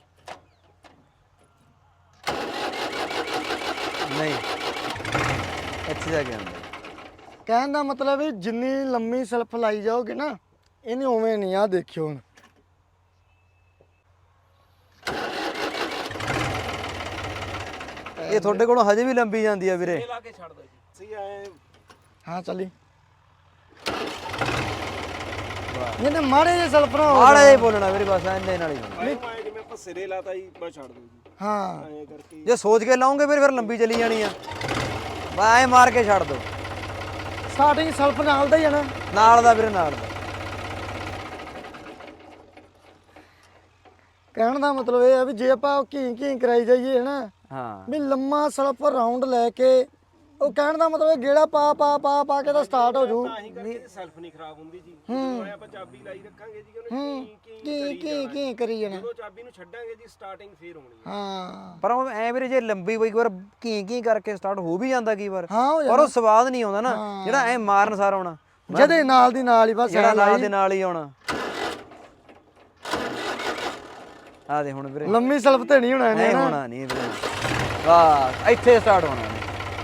ਨਹੀਂ ਇੱਥੇ ਜਾ ਕੇ ਆਉਂਦਾ।
ਕਹਿਣ ਦਾ ਮਤਲਬ ਵੀ ਜਿੰਨੀ ਲੰਮੀ ਸਲਫ ਲਾਈ ਜਾਓਗੇ ਨਾ ਇਹਨੇ ਉਵੇਂ ਨਹੀਂ। ਆ ਦੇਖਿਓ ਹੁਣ
ਇਹ ਤੁਹਾਡੇ ਕੋਲੋਂ ਹਜੇ ਵੀ ਲੰਬੀ ਜਾਂਦੀ ਆ ਵੀਰੇ।
ਇਹ ਲਾ ਕੇ ਛੱਡ ਦੋ ਜੀ ਸਹੀ ਐ।
ਹਾਂ ਚੱਲੀ ਇਹਨੇ ਮਾੜੇ ਜਿਹੇ ਸਲਫ ਨਾ ਹੋ
ਮਾੜਾ ਜਿਹਾ ਬੋਲਣਾ ਵੀਰੇ, ਬਸ ਇੰਨੇ ਨਾਲ ਹੀ ਹੋਣਾ।
ਆਏ ਆਏ ਜਿਵੇਂ ਆਪਾਂ ਸਿਰੇ ਲਾਤਾ ਜੀ ਬਸ ਛੱਡ ਦੋ ਜੀ
ਹਾਂ
ਐਂ ਕਰਕੇ।
ਜੇ ਸੋਚ ਕੇ ਲਾਉਂਗੇ ਫਿਰ ਫਿਰ ਲੰਬੀ ਚਲੀ ਜਾਣੀ ਆ। ਬਸ ਐ ਮਾਰ ਕੇ ਛੱਡ ਦੋ।
ਸਟਾਰਟਿੰਗ ਸਲਫ ਨਾਲ ਦਾ ਹੀ ਆ ਨਾ।
ਨਾਲ ਦਾ ਵੀਰੇ, ਨਾਲ ਦਾ।
ਕਹਿਣ ਦਾ ਮਤਲਬ ਇਹ ਆ ਵੀ ਜੇ ਆਪਾਂ ਘੀ ਘੀ ਕਰਾਈ ਜਾਈਏ ਨਾ
ਹਾਂ
ਵੀ ਲੰਮਾ ਸਲਫ ਰਾਉਂਡ ਲੈ ਕੇ, ਉਹ ਕਹਿਣ ਦਾ ਮਤਲਬ ਇਹ ਗੇੜਾ ਪਾ ਪਾ ਪਾ ਪਾ ਕੇ ਤਾਂ ਸਟਾਰਟ ਹੋ ਜੂ।
ਤਾਂ ਹੀ ਕਰਕੇ ਸੈਲਫ ਨਹੀਂ ਖਰਾਬ ਹੁੰਦੀ ਜੀ। ਜਦੋਂ ਆਪਾਂ ਚਾਬੀ ਲਾਈ ਰੱਖਾਂਗੇ ਜੀ ਉਹਨੇ ਕੀ
ਘੀ ਘੀ ਘੀ ਕਰੀ ਜਾਣਾ।
ਜਦੋਂ ਚਾਬੀ ਨੂੰ ਛੱਡਾਂਗੇ ਜੀ ਸਟਾਰਟਿੰਗ ਫੇਰ ਹੋਣੀ ਹੈ।
ਹਾਂ
ਪਰ ਉਹ ਐ ਵੀਰੇ ਜੇ ਲੰਬੀ ਬਈ ਵਾਰ ਕੀ ਕੀ ਕਰਕੇ ਸਟਾਰਟ ਹੋ ਵੀ ਜਾਂਦਾ ਕਈ ਵਾਰ,
ਹਾਂ ਹੋ
ਪਰ ਉਹ ਸਵਾਦ ਨਹੀਂ ਆਉਂਦਾ ਨਾ ਜਿਹੜਾ ਐ ਮਾਰਨ ਸਾਰ ਆਉਣਾ,
ਜਦੇ ਨਾਲ ਦੀ ਨਾਲ ਹੀ ਬਸ
ਜਿਹੜਾ ਨਾਲ ਦੇ ਨਾਲ ਹੀ ਆਉਣਾ। ਆ ਦੇ ਹੁਣ ਵੀਰੇ
ਲੰਮੀ ਸਲਫ ਤੇ ਨਹੀਂ ਹੋਣਾ
ਨਹੀਂ
ਇਹਨੇ ਨਾ।
ਹੋਣਾ ਨਹੀਂ ਵੀਰੇ, ਵਾਹ ਇੱਥੇ ਸਟਾਰਟ ਹੋਣਾ ਇਹਨੇ।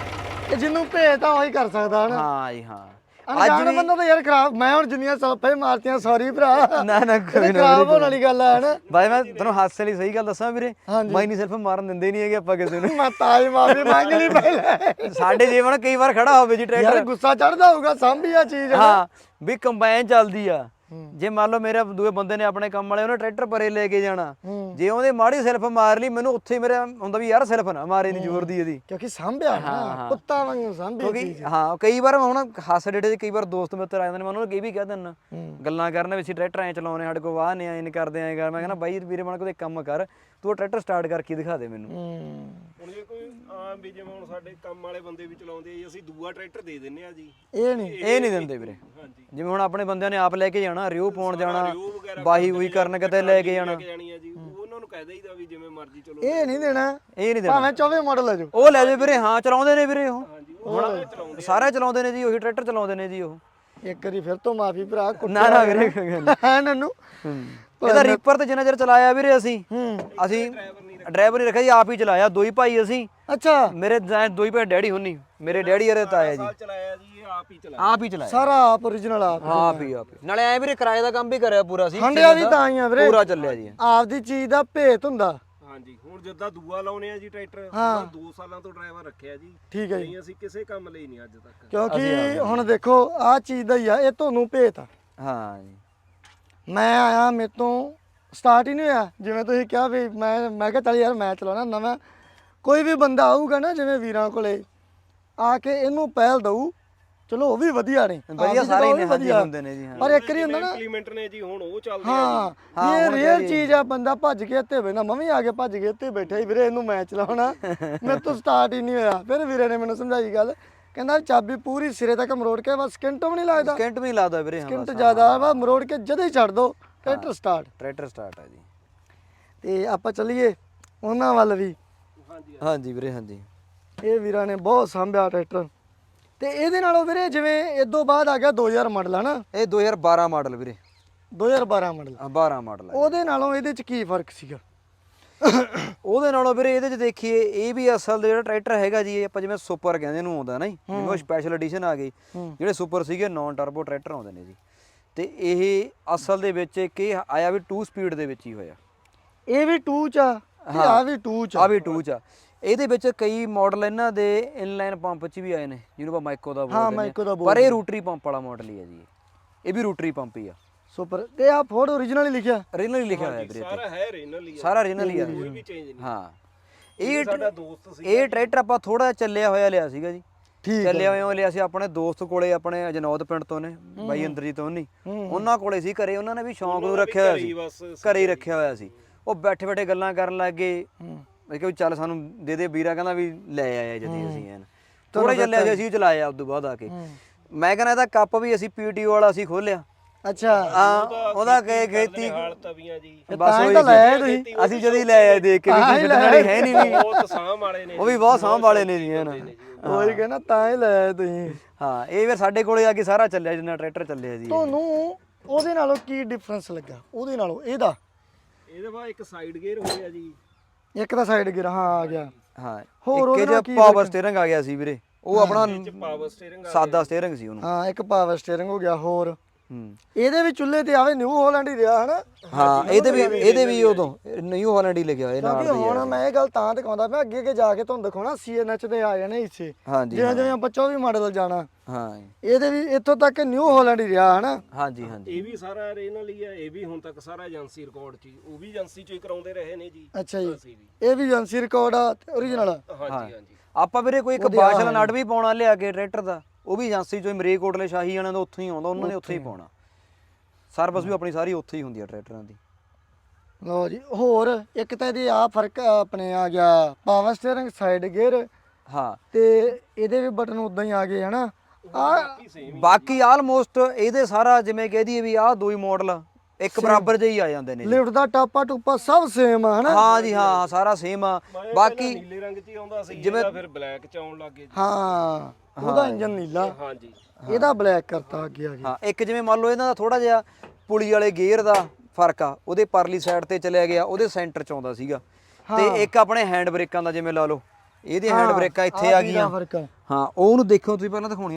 ਇਹ ਜਿਹਨੂੰ ਭੇਜਦਾ ਉਹੀ ਕਰ ਸਕਦਾ ਹਨਾ।
ਹਾਂ ਜੀ ਹਾਂ।
ਅਣਜਾਣ ਬੰਦਾ ਤਾਂ ਯਾਰ ਖਰਾਬ। ਮੈਂ ਹੁਣ ਜਿੰਨੀਆਂ ਸਲਫਾਂ ਮਾਰਤੀਆਂ ਸੌਰੀ ਭਰਾ,
ਨਾ ਨਾ ਕੋਈ ਨਾ
ਖਰਾਬ ਹੋਣ ਵਾਲੀ ਗੱਲ ਆ ਹਨਾ।
ਬਾਈ ਮੈਂ ਤੁਹਾਨੂੰ ਹਾਸੇ ਲਈ ਸਹੀ ਗੱਲ ਦੱਸਾਂ ਵੀਰੇ, ਮੈਂ ਨਹੀਂ ਸਿਰਫ ਮਾਰਨ ਦਿੰਦੇ ਨਹੀਂ ਹੈਗੇ ਆਪਾਂ ਕਿਸੇ ਨੂੰ।
ਮੈਂ ਤਾਜ ਮਾਫੀ ਮੰਗ ਲਈ ਪਹਿਲਾਂ।
ਸਾਡੇ ਜੀਵਨ ਕਈ ਵਾਰ ਖੜਾ ਹੋਵੇ ਜੀ ਟਰੈਕਟਰ,
ਯਾਰ ਗੁੱਸਾ ਚੜਦਾ ਹੋਊਗਾ ਸਾਂਭੀ ਆ ਚੀਜ਼।
ਹਾਂ ਵੀ ਕੰਬਾਈਨ ਚੱਲਦੀ ਆ। ਜੇ ਮੰਨ ਲਓ ਮੇਰੇ ਦੂਏ ਬੰਦੇ ਨੇ ਆਪਣੇ ਕੰਮ ਵਾਲੇ ਉਹਨੇ ਟਰੈਕਟਰ ਪਰੇ ਲੈ ਕੇ ਜਾਣਾ, ਜੇ ਉਹਦੇ ਮਾੜੀ ਸੈਲਫ ਮਾਰ ਲਈ ਮੈਨੂੰ ਉੱਥੇ ਮੇਰੇ ਹੁੰਦਾ ਵੀ ਯਾਰ ਸੈਲਫ ਨਾ ਮਾਰੇ, ਨਹੀਂ ਜ਼ੋਰ ਦੀ ਇਹਦੀ,
ਕਿਉਂਕਿ ਸਾਂਭਿਆ ਨਾ ਕੁੱਤਾ ਵਾਂਗੂ ਸਾਂਭੀ
ਕਿਉਂਕਿ ਹਾਂ ਕਈ ਵਾਰ ਹੁਣ ਹਾਸੇ ਡੇਡੇ ਦੇ ਕਈ ਵਾਰ ਦੋਸਤ ਮਿੱਤਰ ਆ ਜਾਂਦੇ ਨੇ, ਮੈਂ ਉਹਨਾਂ ਨੂੰ ਇਹ ਵੀ ਕਹਿ ਦਿੰਦਾ ਗੱਲਾਂ ਕਰਨ ਵੀ ਅਸੀਂ ਟਰੈਕਟਰ ਐ ਚਲਾਉਣੇ, ਸਾਡੇ ਕੋਲ ਵਾਹ ਨੇ ਐਂ ਕਰਦੇ ਐਂ ਕਰ। ਮੈਂ ਕਹਿੰਦਾ ਬਾਈ ਵੀਰੇ ਬਣ ਕੇ ਕੰਮ ਕਰ, ਤੂੰ ਟਰੈਕਟਰ ਸਟਾਰਟ ਕਰਕੇ ਦਿਖਾ ਦੇ ਮੈਨੂੰ।
ਹੁਣ ਜੇ ਕੋਈ ਆਮ ਵੀ ਜਿਵੇਂ ਹੁਣ ਸਾਡੇ ਕੰਮ ਵਾਲੇ ਬੰਦੇ ਵੀ ਚਲਾਉਂਦੇ ਆ ਜੀ, ਅਸੀਂ ਦੂਆ ਟਰੈਕਟਰ ਦੇ ਦਿੰਨੇ ਆ ਜੀ।
ਇਹ ਨਹੀਂ
ਇਹ ਨਹੀਂ ਦਿੰਦੇ ਵੀਰੇ।
ਹਾਂਜੀ
ਜਿਵੇਂ ਹੁਣ ਆਪਣੇ ਬੰਦਿਆਂ ਨੇ ਆਪ ਲੈ ਕੇ ਜਾਣਾ, ਰਿਓ ਪਾਉਣ ਜਾਣਾ, ਬਾਹੀ ਬੂਈ ਕਰਨ ਕਿਤੇ ਲੈ ਕੇ ਜਾਣਾ,
ਜਾਣੀ ਆ ਜੀ, ਉਹਨਾਂ ਨੂੰ ਕਹਿ ਦੇਈਦਾ ਵੀ ਜਿਵੇਂ ਮਰਜ਼ੀ ਚਲੋ।
ਇਹ ਨਹੀਂ ਦੇਣਾ,
ਇਹ ਨਹੀਂ ਦੇਣਾ।
ਭਾਵੇਂ ਚੌਵੀਂ ਮਾਡਲ ਲੈ ਜਾਓ
ਉਹ ਲੈ ਜਾਓ ਵੀਰੇ। ਹਾਂ ਚਲਾਉਂਦੇ ਨੇ ਵੀਰੇ, ਉਹ
ਹਾਂਜੀ ਉਹ ਸਾਰੇ ਚਲਾਉਂਦੇ
ਸਾਰੇ ਚਲਾਉਂਦੇ ਨੇ ਜੀ, ਉਹੀ ਟਰੈਕਟਰ ਚਲਾਉਂਦੇ ਨੇ ਜੀ ਉਹ।
ਇੱਕ ਵਾਰੀ ਫਿਰ ਤੋਂ ਮਾਫੀ ਭਰਾ।
ਨਾ ਨਾ ਵੀਰੇ ਕੋਈ ਗੱਲ ਨਹੀਂ।
ਹੈ ਨੰਨੂ
ਇਹਦਾ ਰੀਪਰ ਤੇ ਜਿੰਨਾ ਚਿਰ ਚਲਾਇਆ ਵੀਰੇ ਅਸੀਂ
ਹੂੰ
ਅਸੀਂ ਡਰਾਈਵਰ ਨਹੀਂ ਰੱਖਿਆ ਜੀ, ਆਪ ਹੀ ਚਲਾਇਆ। ਦੋ ਹੀ ਭਾਈ ਅਸੀਂ,
ਅੱਛਾ
ਮੇਰੇ ਦੋ ਹੀ ਭਾਈ ਡੈਡੀ ਹੁੰਨੀ, ਮੇਰੇ ਡੈਡੀ ਅਰੇ ਤਾਇਆ ਜੀ,
ਸਾਲ ਚਲਾਇਆ ਜੀ, ਇਹ ਆਪ ਹੀ ਚਲਾਇਆ।
ਆਪ ਹੀ ਚਲਾਇਆ।
ਸਾਰਾ ਆਪ origignal ਆਪ
ਆਪ ਹੀ ਆਪ ਹੀ। ਨਾਲੇ ਐ ਵੀਰੇ ਕਿਰਾਏ ਦਾ ਕੰਮ ਵੀ ਕਰਿਆ ਪੂਰਾ ਸੀ,
ਹੰਡਿਆ ਵੀ ਤਾਂ ਹੀ ਆ ਵੀਰੇ,
ਪੂਰਾ ਚੱਲਿਆ ਜੀ।
ਆਪਦੀ ਚੀਜ਼ ਦਾ ਭੇਤ ਹੁੰਦਾ।
ਹਾਂਜੀ ਹੁਣ ਜਿੱਦਾਂ ਦੂਆ ਲਾਉਨੇ ਆ ਜੀ ਟਰੈਕਟਰ, ਦੋ ਸਾਲਾਂ ਤੋਂ ਡਰਾਈਵਰ ਰੱਖਿਆ ਜੀ।
ਠੀਕ ਹੈ ਜੀ,
ਨਹੀਂ ਅਸੀਂ ਕਿਸੇ ਕੰਮ ਲਈ ਨਹੀਂ ਅੱਜ ਤੱਕ।
ਕਿਉਂਕਿ ਹੁਣ ਦੇਖੋ ਆਹ ਚੀਜ਼ ਦਾ ਹੀ ਆ, ਇਹ ਤੁਹਾਨੂੰ ਭੇਤ ਆ।
ਹਾਂ ਜੀ
ਮੈਂ ਆਇਆ ਮੇਰੇ ਤੋਂ ਸਟਾਰਟ ਹੀ ਨਹੀਂ ਹੋਇਆ, ਜਿਵੇਂ ਤੁਸੀਂ ਕਿਹਾ ਵੀ ਮੈਂ ਮੈਂ ਕਿਹਾ ਚੱਲ ਯਾਰ ਮੈਂ ਚਲਾਉਣਾ ਨਵਾਂ। ਕੋਈ ਵੀ ਬੰਦਾ ਆਊਗਾ ਨਾ ਜਿਵੇਂ ਵੀਰਾਂ ਕੋਲੇ ਆ ਕੇ ਇਹਨੂੰ ਪਹਿਲ ਦਊ, ਚਲੋ ਉਹ ਵੀ ਵਧੀਆ ਨੇ,
ਵਧੀਆ ਸਾਰੇ ਹੀ ਨੇ, ਵਧੀਆ ਹੁੰਦੇ ਨੇ ਜੀ। ਹਾਂ
ਪਰ ਇੱਕ ਵਾਰੀ ਹੁੰਦਾ ਨਾ
ਇੰਪਲੀਮੈਂਟ ਨੇ ਜੀ, ਹੁਣ ਉਹ ਚੱਲਦੇ ਆ
ਹਾਂ ਇਹ ਰੀਅਲ ਚੀਜ਼ ਆ। ਬੰਦਾ ਭੱਜ ਕੇ ਇੱਥੇ ਬੈਠਾ, ਮੈਂ ਵੀ ਆ ਕੇ ਭੱਜ ਕੇ ਇੱਥੇ ਬੈਠਾ ਹੀ ਵੀਰੇ ਇਹਨੂੰ ਮੈਂ ਚਲਾਉਣਾ, ਮੇਰੇ ਤੋਂ ਸਟਾਰਟ ਹੀ ਨਹੀਂ ਹੋਇਆ। ਫਿਰ ਵੀਰੇ ਨੇ ਮੈਨੂੰ ਸਮਝਾਈ ਗੱਲ, ਕਹਿੰਦਾ ਚਾਬੀ ਪੂਰੀ ਸਿਰੇ ਤੱਕ ਮਰੋੜ ਕੇ, ਬਸ ਸਕਿੰਟ ਵੀ ਨਹੀਂ ਲੱਗਦਾ,
ਸਕਿੰਟ ਵੀ ਲਾਦਾ ਵੀਰੇ। ਹਾਂ
ਸਕਿੰਟ ਜ਼ਿਆਦਾ ਵਾ, ਮਰੋੜ ਕੇ ਜਦੇ ਹੀ ਛੱਡ ਦੋ, ਟਰੈਕਟਰ ਸਟਾਰਟ।
ਟਰੈਕਟਰ ਸਟਾਰਟ ਆ ਜੀ।
ਤੇ ਆਪਾਂ ਚੱਲੀਏ ਉਹਨਾਂ ਵੱਲ ਵੀ।
ਹਾਂਜੀ
ਹਾਂਜੀ ਵੀਰੇ ਹਾਂਜੀ।
ਇਹ ਵੀਰਾਂ ਨੇ ਬਹੁਤ ਸਾਂਭਿਆ ਟਰੈਕਟਰ। ਤੇ ਇਹਦੇ ਨਾਲੋਂ ਵੀਰੇ ਜਿਵੇਂ ਇਦੋਂ ਬਾਅਦ ਆ ਗਿਆ ਦੋ ਹਜ਼ਾਰ ਮਾਡਲ ਹੈ ਨਾ,
ਇਹ ਦੋ ਹਜ਼ਾਰ ਬਾਰਾਂ ਮਾਡਲ ਵੀਰੇ,
ਦੋ ਹਜ਼ਾਰ ਬਾਰਾਂ ਮਾਡਲ,
ਹਾਂ ਬਾਰਾਂ ਮਾਡਲ ਹੈ।
ਉਹਦੇ ਨਾਲੋਂ ਇਹਦੇ ਚ ਕੀ ਫਰਕ ਸੀਗਾ?
ਉਹਦੇ ਨਾਲੋਂ ਵੀਰੇ ਇਹਦੇ ਚ ਦੇਖੀਏ, ਇਹ ਵੀ ਅਸਲ ਦੇ ਜਿਹੜਾ ਟਰੈਕਟਰ ਹੈਗਾ ਜੀ, ਇਹ ਆਪਾਂ ਜਿਵੇਂ ਸੁਪਰ ਕਹਿੰਦੇ ਇਹਨੂੰ ਆਉਂਦਾ ਨਾ ਜੀ, ਜਿਵੇਂ ਉਹ ਸਪੈਸ਼ਲ ਐਡੀਸ਼ਨ ਆ ਗਈ, ਜਿਹੜੇ ਸੁਪਰ ਸੀਗੇ ਨਾਨ ਟਰਬੋ ਟਰੈਕਟਰ ਆਉਂਦੇ ਨੇ ਜੀ। ਤੇ ਇਹ ਅਸਲ ਦੇ ਵਿੱਚ ਇੱਕ ਇਹ ਆਇਆ ਵੀ ਟੂ ਸਪੀਡ ਦੇ ਵਿੱਚ ਹੀ ਹੋਇਆ।
ਇਹ ਵੀ ਟੂ ਚ ਆ, ਆ ਵੀ ਟੂ ਚ
ਆ ਵੀ ਟੂ ਚ ਆ। ਇਹਦੇ ਵਿੱਚ ਕਈ ਮਾਡਲ ਇਹਨਾਂ ਦੇ ਇਨਲਾਈਨ ਪੰਪ ਚ ਵੀ ਆਏ ਨੇ, ਜਿਹਨੂੰ ਆਪਾਂ ਮਾਈਕੋ ਦਾ
ਹਾਂ ਮਾਈਕੋ ਦਾ
ਬੋਲਦੇ, ਪਰ ਇਹ ਰੋਟਰੀ ਪੰਪ ਵਾਲਾ ਮਾਡਲ ਹੀ ਹੈ ਜੀ। ਇਹ ਵੀ ਰੋਟਰੀ ਪੰਪ ਹੀ ਆ।
ਸੁਪਰ ਤੇ ਆ ਫੋਰਡ origignal ਹੀ ਲਿਖਿਆ,
ਰੀਨਲ ਹੀ ਲਿਖਿਆ ਹੋਇਆ ਵੀਰੇ,
ਸਾਰਾ ਹੈ ਰੀਨਲ ਹੀ ਆ,
ਸਾਰਾ ਰੀਨਲ ਹੀ ਆ।
ਕੋਈ ਵੀ ਚੇਂਜ ਨਹੀਂ।
ਹਾਂ ਇਹ
ਸਾਡਾ ਦੋਸਤ ਸੀ,
ਇਹ ਟਰੈਕਟਰ ਆਪਾਂ ਥੋੜਾ ਚੱਲਿਆ ਹੋਇਆ ਲਿਆ ਸੀਗਾ ਜੀ।
ਠੀਕ
ਚੱਲਿਆ ਹੋਇਆ ਲਿਆ ਸੀ ਆਪਣੇ ਦੋਸਤ ਕੋਲੇ, ਆਪਣੇ ਅਜਨੌਦ ਪਿੰਡ ਤੋਂ ਨੇ ਬਾਈ ਇੰਦਰਜੀਤ ਹੋਣੀ, ਉਹਨਾਂ ਕੋਲੇ ਸੀ ਘਰੇ। ਉਹਨਾਂ ਨੇ ਵੀ ਸ਼ੌਂਕ ਨੂੰ ਰੱਖਿਆ ਹੋਇਆ ਸੀ, ਘਰੇ ਹੀ ਰੱਖਿਆ ਹੋਇਆ ਸੀ। ਉਹ ਬੈਠੇ ਬੈਠੇ ਗੱਲਾਂ ਕਰਨ ਲੱਗ ਗਏ, ਮੈਂ ਕਿਹਾ ਚੱਲ ਸਾਨੂੰ ਦੇ ਦੇ ਵੀਰਾ, ਕਹਿੰਦਾ ਵੀ ਲੈ ਆਇਆ ਜਦੀ ਅਸੀਂ ਐਨ ਥੋੜੇ ਚੱਲਿਆ ਸੀ, ਅਸੀਂ ਚਲਾਇਆ। ਉਸ ਤੋਂ ਬਾਅਦ ਆ ਕੇ ਮੈਂ ਕਹਿੰਦਾ ਇਹਦਾ ਕੱਪ ਵੀ ਅਸੀਂ ਪੀਟੀਓ ਵਾਲਾ ਅਸੀਂ ਖੋਲਿਆ।
ਅੱਛਾ
ਹਾਂ ਉਹਦਾ ਕਹੇ ਖੇਤੀ
ਹਾਲ ਤਵੀਆਂ ਜੀ,
ਬਸ
ਤਾਂ ਹੀ ਤਾਂ ਲੈ ਤੁਸੀਂ,
ਅਸੀਂ ਜਦੀ ਲੈ ਆਏ ਦੇਖ ਕੇ ਵੀ ਕੋਈ ਛੱਡਣ ਵਾਲੀ ਹੈ ਨਹੀਂ ਵੀ,
ਬਹੁਤ ਸਾਂਭ ਵਾਲੇ ਨੇ,
ਉਹ ਵੀ ਬਹੁਤ ਸਾਂਭ ਵਾਲੇ ਨੇ ਜੀ ਹੈ ਨਾ।
ਉਹੀ ਕਹਿੰਦਾ ਤਾਂ ਹੀ ਲੈ ਆਏ ਤੁਸੀਂ।
ਹਾਂ ਇਹ ਫਿਰ ਸਾਡੇ ਕੋਲੇ ਆ ਕੇ ਸਾਰਾ ਚੱਲਿਆ, ਜਿੰਨਾ ਟਰੈਕਟਰ ਚੱਲਿਆ ਜੀ।
ਤੁਹਾਨੂੰ ਉਹਦੇ ਨਾਲੋਂ ਕੀ ਡਿਫਰੈਂਸ ਲੱਗਾ, ਉਹਦੇ ਨਾਲੋਂ ਇਹਦਾ?
ਇਹਦੇ ਬਾਅਦ ਇੱਕ ਸਾਈਡ ਗੇਅਰ ਹੋ ਗਿਆ ਜੀ।
ਇੱਕ ਤਾਂ ਸਾਈਡ ਗਿਰ ਹਾਂ ਆ ਗਿਆ।
ਹਾਂ
ਹੋਰ
ਇੱਕ
ਉਹਦੇ ਨਾਲ
ਇਹ
ਕੀ
ਪਾਵਰ ਸਟੀਅਰਿੰਗ ਆ ਗਿਆ ਸੀ ਵੀਰੇ, ਉਹ ਆਪਣਾ
ਪਾਵਰ ਸਟੀਅਰਿੰਗ
ਸਾਦਾ ਸਟੀਅਰਿੰਗ ਸੀ ਉਹਨੂੰ।
ਹਾਂ ਇੱਕ ਪਾਵਰ ਸਟੀਅਰਿੰਗ ਹੋ ਗਿਆ। ਹੋਰ
ਹੂੰ
ਇਹਦੇ ਵੀ ਚੁੱਲ੍ਹੇ ਤੇ ਆਵੇ ਨਿਊ ਹਾਲੈਂਡ ਹੀ ਰਿਹਾ ਹਨਾ,
ਹਾਂ ਇਹਦੇ ਵੀ ਇਹਦੇ ਵੀ ਉਦੋਂ ਨਿਊ ਹਾਲੈਂਡ ਹੀ ਲਿਖਿਆ ਹੋਇਆ ਨਾਲ
ਕਿਉਂਕਿ
ਦੀ।
ਹੁਣ ਮੈਂ ਇਹ ਗੱਲ ਤਾਂ ਦਿਖਾਉਂਦਾ ਮੈਂ ਅੱਗੇ ਅੱਗੇ ਜਾ ਕੇ ਤੁਹਾਨੂੰ ਦਿਖਾਉਣਾ ਸੀ ਐਨ ਐਚ ਦੇ ਆ ਜਾਣੇ ਹਿੱਸੇ,
ਹਾਂਜੀ
ਜਿਵੇਂ ਜਿਵੇਂ ਆਪਾਂ ਚੌਵੀ ਮਾਡਲ ਜਾਣਾ।
ਹਾਂ
ਇਹਦੇ ਵੀ ਇੱਥੋਂ ਤੱਕ ਨਿਊ ਹਾਲੈਂਡ ਹੀ ਰਿਹਾ ਹਨਾ।
ਹਾਂਜੀ ਹਾਂਜੀ
ਇਹ ਵੀ ਸਾਰਾ ਇਹਨਾਂ ਲਈ ਹੈ, ਇਹ ਵੀ ਹੁਣ ਤੱਕ ਸਾਰਾ ਏਜੰਸੀ ਰਿਕਾਰਡ 'ਚ ਹੀ, ਉਹ ਵੀ ਏਜੰਸੀ 'ਚ ਹੀ ਕਰਾਉਂਦੇ ਰਹੇ ਨੇ ਜੀ।
ਅੱਛਾ ਜੀ,
ਅਸੀਂ ਵੀ
ਇਹ ਵੀ ਏਜੰਸੀ ਰਿਕਾਰਡ ਆ ਓਰੀਜਨਲ।
ਹਾਂਜੀ ਹਾਂਜੀ।
ਆਪਾਂ ਵੀਰੇ ਕੋਈ ਇੱਕ ਬਾਸ਼ਲ ਨਟ ਵੀ ਪਾਉਣਾ ਲਿਆ ਕੇ ਟਰੈਕਟਰ ਦਾ, ਉਹ ਵੀ ਏਜੰਸੀ ਚੋਂ ਮਰੇ ਕੋਟਲੇ ਸ਼ਾਹੀ ਵਾਲਿਆਂ ਦਾ ਉੱਥੋਂ ਹੀ ਆਉਂਦਾ, ਉਹਨਾਂ ਨੇ ਉੱਥੇ ਹੀ ਪਾਉਣਾ। ਸਰਵਿਸ ਵੀ ਆਪਣੀ ਸਾਰੀ ਉੱਥੇ ਹੀ ਹੁੰਦੀ ਆ ਟਰੈਕਟਰਾਂ ਦੀ।
ਲਓ ਜੀ ਹੋਰ ਇੱਕ ਤਾਂ ਇਹਦੀ ਆ ਫਰਕ ਆਪਣੇ ਆ ਗਿਆ ਪਾਵਰ ਸਟੀਅਰਿੰਗ ਸਾਈਡ ਗੇਅਰ
ਹਾਂ
ਤੇ ਇਹਦੇ ਵੀ ਬਟਨ ਉਦਾਂ ਹੀ ਆ ਗਏ ਹਨਾ। ਆ
ਬਾਕੀ ਆਲਮੋਸਟ ਇਹਦੇ ਸਾਰਾ ਜਿਵੇਂ ਕਹਿ ਦਈਏ ਵੀ ਆਹ ਦੋ ਹੀ ਮਾਡਲ ਇੱਕ ਬਰਾਬਰ ਜਿਹੇ ਹੀ ਆ ਜਾਂਦੇ ਨੇ ਜੀ।
ਲਿਫਟ ਦਾ ਟਾਪਾ ਟੂਪਾ ਸਭ ਸੇਮ ਆ ਹਨਾ।
ਹਾਂ ਜੀ ਹਾਂ ਸਾਰਾ ਸੇਮ ਆ। ਬਾਕੀ
ਨੀਲੇ ਰੰਗ 'ਚ ਹੀ ਆਉਂਦਾ ਸੀ, ਜਿਵੇਂ ਫਿਰ ਬਲੈਕ 'ਚ ਆਉਣ ਲੱਗ ਗਏ ਜੀ।
ਹਾਂ ਉਹਦਾ ਇੰਜਨ ਨੀਲਾ,
ਹਾਂਜੀ
ਇਹਦਾ ਬਲੈਕ ਕਰਤਾ ਅੱਗੇ ਆ ਗਿਆ।
ਹਾਂ ਇੱਕ ਜਿਵੇਂ ਮੰਨ ਲਓ ਇਹਨਾਂ ਦਾ ਥੋੜਾ ਜਿਹਾ ਪੁਲੀ ਵਾਲੇ ਗੇਅਰ ਦਾ ਫਰਕ ਆ, ਉਹਦੇ ਪਰਲੀ ਸਾਈਡ ਤੇ ਚਲਿਆ ਗਿਆ, ਉਹਦੇ ਸੈਂਟਰ ਚ ਆਉਂਦਾ ਸੀਗਾ। ਤੇ ਇੱਕ ਆਪਣੇ ਹੈਂਡ ਬ੍ਰੇਕਾਂ ਦਾ ਜਿਵੇਂ ਲਾ ਲਓ, ਇਹਦੀ ਹੈਂਡ ਬ੍ਰੇਕਾਂ ਇੱਥੇ ਆ ਗਈਆਂ।
ਫਰਕ ਆ
ਹਾਂ ਉਹਨੂੰ ਦੇਖੋ ਤੁਸੀਂ ਪਹਿਲਾਂ ਦਿਖਾਉਣੀ